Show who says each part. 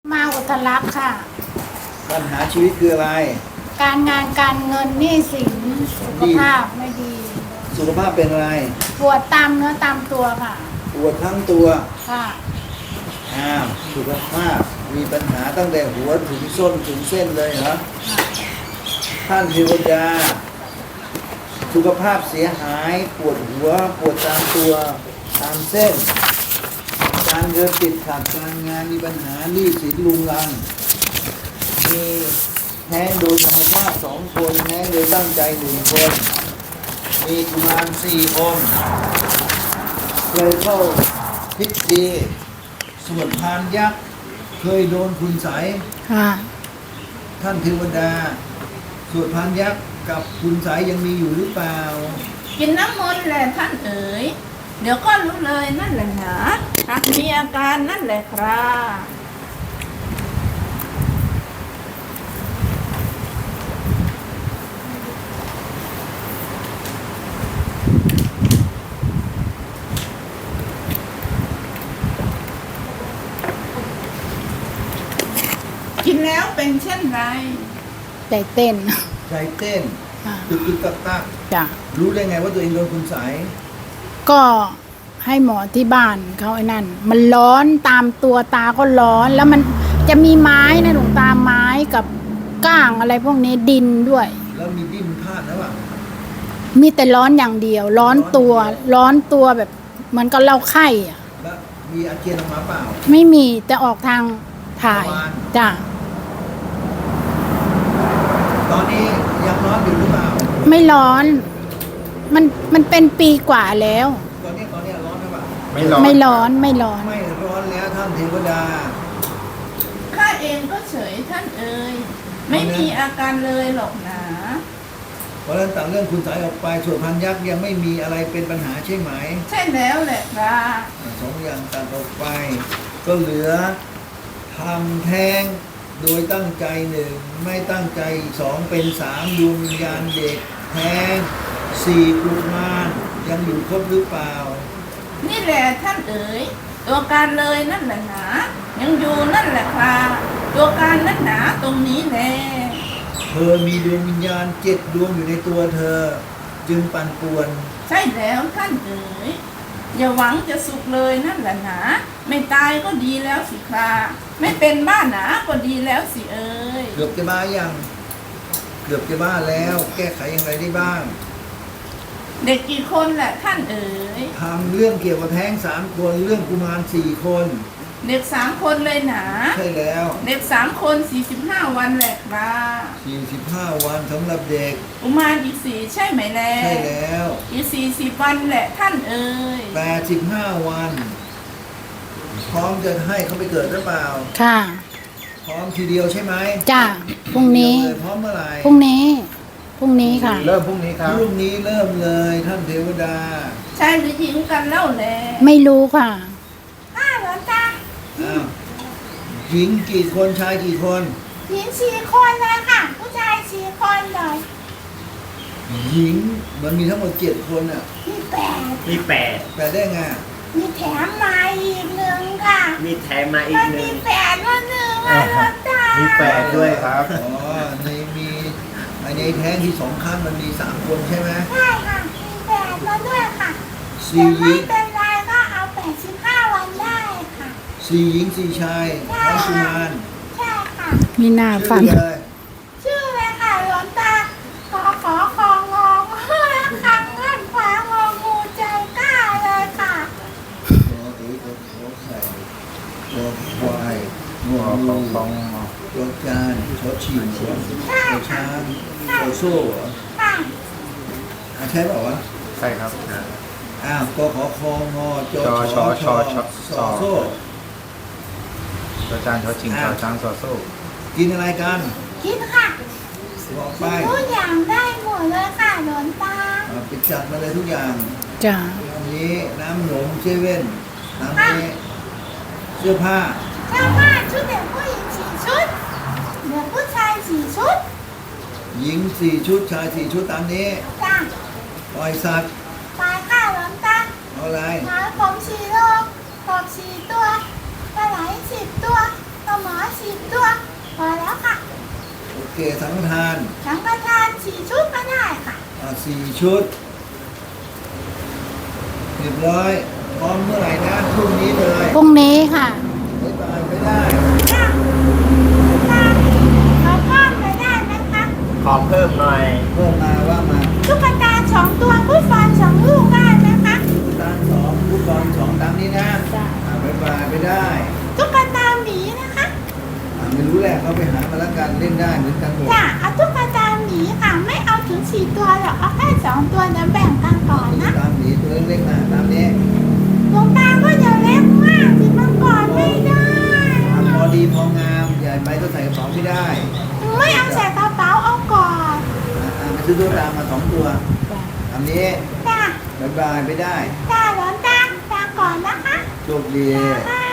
Speaker 1: มาอุทลักษ์ค่ะ
Speaker 2: ปัญหาชีวิตคืออะไร
Speaker 1: การงานการเงินหนี้สินสุขภาพไม่ดี
Speaker 2: สุขภาพเป็นอะไร
Speaker 1: ปวดตามเนื้อตามตัวค่ะ
Speaker 2: ปวดทั้งตัว
Speaker 1: ค่ะ
Speaker 2: สุขภาพมีปัญหาตั้งแต่หัวถึงส้นถึงเส้นเลยเหรอท่านเทวดาสุขภาพเสียหายปวดหัวปวดตามตัวตามเส้นการเงินติดขัดการงานมีปัญหาหนี้สินลุงลังมีแท้งโดยธรรมชาติ2 คนแท้งโดยตั้งใจ1 คนมีกุมาร4 องค์เคยเข้าพิธีสวดพานยักษ์เคยโดนคุณไสยท่านเทวดาสวดพานยักษ์กับคุณไสยยังมีอยู่หรือเปล่า
Speaker 3: กินน้ำมนต์แหละท่านเอ๋ยเดี๋ยวก็รู้เลยนั่นแหละนะหากมีอาการนั่นแหละครับกินแล้วเป็นเช่นไร
Speaker 1: ใจเต้น
Speaker 2: ใจเต้นตึกตัก
Speaker 1: จ้ะ
Speaker 2: รู้ได้ไงว่าตัวเองโดนคุณไสย
Speaker 1: ก็ให้หมอที่บ้านเขาไอ้นั่นมันร้อนตามตัวตาก็ร้อนแล้วมันจะมีไม้นะหลวงตาไม้กับก้างอะไรพวกนี้ดินด้วย
Speaker 2: แล้วมีดิ้นพลาดแล้วอ่ะ
Speaker 1: มีแต่ร้อนอย่างเดียวร้อนตัวแบบเหมือนกับเราไข้อ่ะ
Speaker 2: แล้วมีอาเจียนออกมาเปล่า
Speaker 1: ไม่มีแต่ออกทางถ่ายจ้ะ
Speaker 2: ตอนนี้ยังร้อนอยู่หรือเปล่า
Speaker 1: ไม่ร้อนมันเป็นปีกว่าแล้ว
Speaker 2: ตอนนี้ร้อนหรือเปล่า
Speaker 1: ไม่ร้อน
Speaker 2: แล้วท่านเทวดา
Speaker 3: ข้าเองก็เฉยท่านเอ๋ยไม่มีอาการเลยหรอกนะ
Speaker 2: เพราะฉะนั้นต่างเรื่องคุณไสยออกไปส่วนพันยักษ์ยังไม่มีอะไรเป็นปัญหาใช่ไหม
Speaker 3: ใช่แล้วแหละครับ
Speaker 2: 2 อย่างตัดออกไปก็เหลือทำแท้งโดยตั้งใจ1ไม่ตั้งใจ2เป็น3ดวงวิญญาณเด็กแท้ง4กุมารยังอยู่ครบหรือเปล่า
Speaker 3: นี่แหละท่านเอ๋ยตัวการเลยนั่นแหละหนายังอยู่นั่นแหละครับตัวการนั่นหนาตรงนี้แหละ
Speaker 2: เธอมีดวงวิญญาณ7 ดวงอยู่ในตัวเธอจึงปั่นป่วน
Speaker 3: ใช่แล้วท่านเอ๋ยอย่าหวังจะสุขเลยนั่นแหละหนาไม่ตายก็ดีแล้วสิครับไม่เป็นบ้าหนาก็ดีแล้วสิเอ๋ย
Speaker 2: เกือบจะบ้ายังเกือบจะบ้าแล้วแก้ไขอย่างไรได้บ้าง
Speaker 3: เด็กกี่คนแหละท่านเอ๋ย
Speaker 2: ทำเรื่องเกี่ยวกับแท้ง3 คนเรื่องกุมาร4 คน
Speaker 3: เด็ก3 คนเลยหนา
Speaker 2: ใช่แล้ว
Speaker 3: เด็ก3 คน45 วันแหละครับ
Speaker 2: 45 วันสำหรับเด็ก
Speaker 3: กุมารอีก4ใช่ไหมแล
Speaker 2: ใช่แล้ว
Speaker 3: อีก40 วันแหละท่านเอ๋ย
Speaker 2: 85 วันพร้อมจะให้เขาไปเกิดหรือเปล่า
Speaker 1: ค่ะ
Speaker 2: พร้อมทีเดียวใช่ไหม
Speaker 1: จ้ะพรุ่งนี้
Speaker 2: พร้อมเมื่อไหร่
Speaker 1: พรุ่งนี้ค่ะ
Speaker 2: เริ่มพรุ่งนี้ครับพรุ่งนี้เริ่มเลยท่านเทวดา
Speaker 3: ชายหรือหญิงกันเล่าแล
Speaker 1: ไม่รู้ค่ะ
Speaker 3: หลวงตา
Speaker 2: หญิงกี่คนชายกี่คน
Speaker 3: หญิง4 คนเลยค่ะผู้ชาย4 คนเลย
Speaker 2: หญิงมันมีทั้งหมด7 คนอ่ะ
Speaker 4: มี8
Speaker 2: ได้ไง
Speaker 3: มีแถมมาอีก1ค่ะ
Speaker 4: มีแถมมาอีก1
Speaker 3: มี8ว่า1อ่ะหลวงตา
Speaker 4: มี8ด้วยครับ
Speaker 2: ในแท้งที่2 ครั้งมันมี3 คนใช่ไหม
Speaker 3: ใช่ค่ะมี8มาด้วยค่ะแต่ไม่เป็นไรก็เอา85 วันได้ค่ะ
Speaker 2: 4 หญิง 4 ชายทั้งกุมาร
Speaker 3: ใช่ค่ะ
Speaker 1: มีหน้าฟัง
Speaker 3: ชื่อเลยค่ะหลวงตาขอของงคังเงินฟ้างองูใจกล้าเลยค่ะ
Speaker 2: ตัวควายงองูตัวจานชอชิงตัวช้างตัวโซ่เหรอใช่เปล่าวะ
Speaker 4: ใช่ครับ
Speaker 2: ก็ขอคองอจอชอโซ่
Speaker 4: ตัวจานชอชิงตัวช้างซอโซ่
Speaker 2: กินอะไรกัน
Speaker 3: กินค่ะ
Speaker 2: บอกไป
Speaker 3: ทุกอย่างได้หมดเลยค่ะหลวงตา
Speaker 2: ไปจัดมาเลยทุกอย่าง
Speaker 1: จ้ะ
Speaker 2: อันนี้น้ำหนมเซเว่นน้ำนี้เสื้อผ้า
Speaker 3: ชุดเด็กผู้หญิง4 ชุดเด็กผู้ชาย4 ชุด
Speaker 2: หญิง4 ชุดชาย4 ชุดตามนี้
Speaker 3: จ้ะ
Speaker 2: ปล่อยสัตว์
Speaker 3: ปล่อยค่ะหลวงตา
Speaker 2: เอาอะไร
Speaker 3: หมาผม4 โลกบ4 ตัวปลาไหล10 ตัวปลาหมอ
Speaker 5: 10 ตัวพอแล้วค่ะ
Speaker 2: โอเคสังฆทาน
Speaker 5: สังฆทาน4 ชุดก็ได้ค่ะ
Speaker 2: 4 ชุดเรียบร้อยพร้อมเมื่อไหร่นะพรุ่งนี้เลย
Speaker 1: พรุ่งนี้ค่ะ
Speaker 2: บ๊ายบายไม่ได้
Speaker 5: ค่ะค่ะขอเพิ่มไปได้ไหมคะ
Speaker 4: ขอเพิ่มหน่อย
Speaker 2: เพิ่มมาว่ามา
Speaker 5: ตุ๊กตา2 ตัวฟุตบอล2 ลูกได้ไหมคะ
Speaker 2: ตาม2ฟุตบอล2ตามนี้นะ
Speaker 1: จ้ะ
Speaker 2: บ๊ายบายไม่ได้
Speaker 5: ตุ๊กตาหมีนะคะ
Speaker 2: ไม่รู้แหละเขาไปหามาแล้วกันเล่นได้เหมือนกันหมด
Speaker 5: จ้ะเอาตุ๊กตาหมีค่ะ ไม่เอาถึง4 ตัวหรอกเอาแค่2 ตัวเดี๋ยวแบ่งกันก่อนนะ
Speaker 2: ตามหนีตัวเล็กๆนะตามนี้
Speaker 5: ดวงตาก็จะเล็กมากสิมันก่อนไม่ได้
Speaker 2: พอดีพองามใหญ่ไปก็ใส่กระเป๋าไม่ได้
Speaker 5: ไม่เอาใส่กระเป๋าเอาก่อน
Speaker 2: ไปซื้อตัวตามมา2 ตัว
Speaker 1: จ้ะ
Speaker 2: ตามนี้
Speaker 5: จ้ะ
Speaker 2: บ๊ายบายไม่ได้
Speaker 5: จ้ะหลวงตาก่อนนะคะ
Speaker 2: โชคดี
Speaker 5: ค่ะ